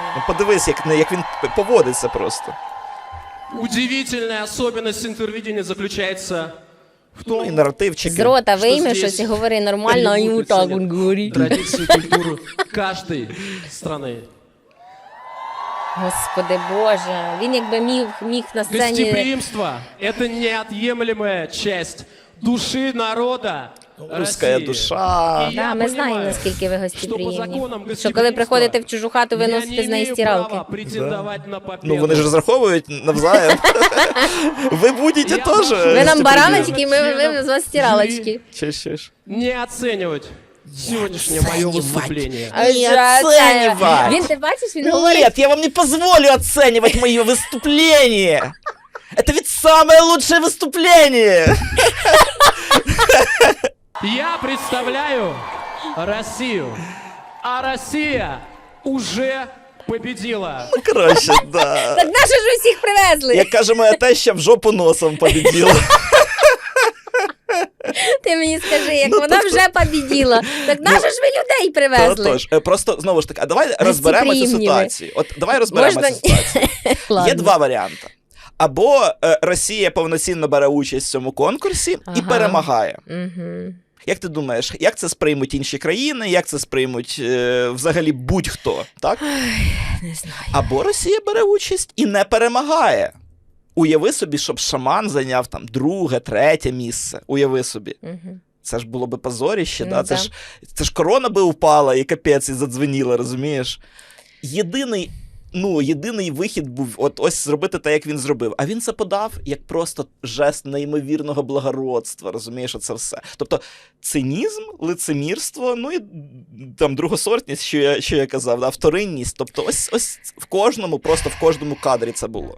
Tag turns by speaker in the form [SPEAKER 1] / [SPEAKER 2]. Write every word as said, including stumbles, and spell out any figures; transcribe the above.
[SPEAKER 1] Ну, подивись, як, як він поводиться просто.
[SPEAKER 2] Удивительная особенность интервидения заключается в
[SPEAKER 1] Ну, і
[SPEAKER 2] том,
[SPEAKER 1] наративчики.
[SPEAKER 3] З рота
[SPEAKER 2] Що
[SPEAKER 3] вийме
[SPEAKER 2] здесь
[SPEAKER 3] щось і говори нормально, а йому так він говорить.
[SPEAKER 2] традиции, культуру каждой страны.
[SPEAKER 3] Господи Боже, він якби міг, міг на сцені...
[SPEAKER 2] Гостеприимство – это неотъемлемая часть души народа
[SPEAKER 1] Русская
[SPEAKER 2] России.
[SPEAKER 1] душа.
[SPEAKER 2] И я
[SPEAKER 3] Да, ми знаємо,
[SPEAKER 2] понимаю,
[SPEAKER 3] наскільки ви
[SPEAKER 2] что по
[SPEAKER 3] гостеприємні.
[SPEAKER 2] законам
[SPEAKER 3] Що коли приходите в чужу хату, ви
[SPEAKER 2] я
[SPEAKER 3] носите
[SPEAKER 2] не
[SPEAKER 3] з неї
[SPEAKER 2] имею
[SPEAKER 3] стиралки.
[SPEAKER 2] права претендовать на победу.
[SPEAKER 1] Ну, вони ж розраховують навзаєм. Ви будете
[SPEAKER 2] Я
[SPEAKER 1] теж.
[SPEAKER 2] прошу-
[SPEAKER 3] Ви нам
[SPEAKER 1] гостеприємні.
[SPEAKER 3] бараночки, ми, ми з вас стиралочки.
[SPEAKER 1] Чи ще ж?
[SPEAKER 2] Не оценивать сегодняшнее мое выступление.
[SPEAKER 3] А
[SPEAKER 1] Не
[SPEAKER 3] що це?
[SPEAKER 1] оцінювати.
[SPEAKER 3] Він, ти бачиш, він говорить,
[SPEAKER 1] Нет, я вам не позволю оценивать мое выступление. Это ведь самое лучшее выступление.
[SPEAKER 2] Я представляю Россию, а Россия уже победила.
[SPEAKER 1] Коротше, да.
[SPEAKER 3] так наші ж усіх привезли.
[SPEAKER 1] Як каже моя теща, в жопу носом победила.
[SPEAKER 3] Ти мені скажи, як
[SPEAKER 1] Ну,
[SPEAKER 3] вона
[SPEAKER 1] тобто-
[SPEAKER 3] вже побіділа. Так наші ж ви людей привезли.
[SPEAKER 1] Тож, е, просто, знову ж таки, а давай розберемо цю
[SPEAKER 3] приємні ви.
[SPEAKER 1] ситуацію. От давай розберемо
[SPEAKER 3] Можна-
[SPEAKER 1] цю ситуацію. Є
[SPEAKER 3] Ладно.
[SPEAKER 1] два варіанти. Або е, Росія повноцінно бере участь в цьому конкурсі і
[SPEAKER 3] Ага.
[SPEAKER 1] перемагає.
[SPEAKER 3] Угу.
[SPEAKER 1] Як ти думаєш, як це сприймуть інші країни, як це сприймуть е, взагалі будь-хто, так?
[SPEAKER 3] Не знаю.
[SPEAKER 1] Або Росія бере участь і не перемагає. Уяви собі, щоб шаман зайняв там друге, третє місце. Уяви собі.
[SPEAKER 3] Угу.
[SPEAKER 1] Це ж було би позоріще,
[SPEAKER 3] Ну,
[SPEAKER 1] да? Це,
[SPEAKER 3] да.
[SPEAKER 1] ж, це ж корона би упала і капець, і задзвеніла, розумієш? Єдиний, ну, єдиний вихід був от ось зробити те, як він зробив. А він це подав як просто жест неймовірного благородства, розумієш, оце все. Тобто цинізм, лицемірство, ну і там другосортність, що я, що я казав, да? Вторинність. Тобто ось, ось в кожному, просто в кожному кадрі це було.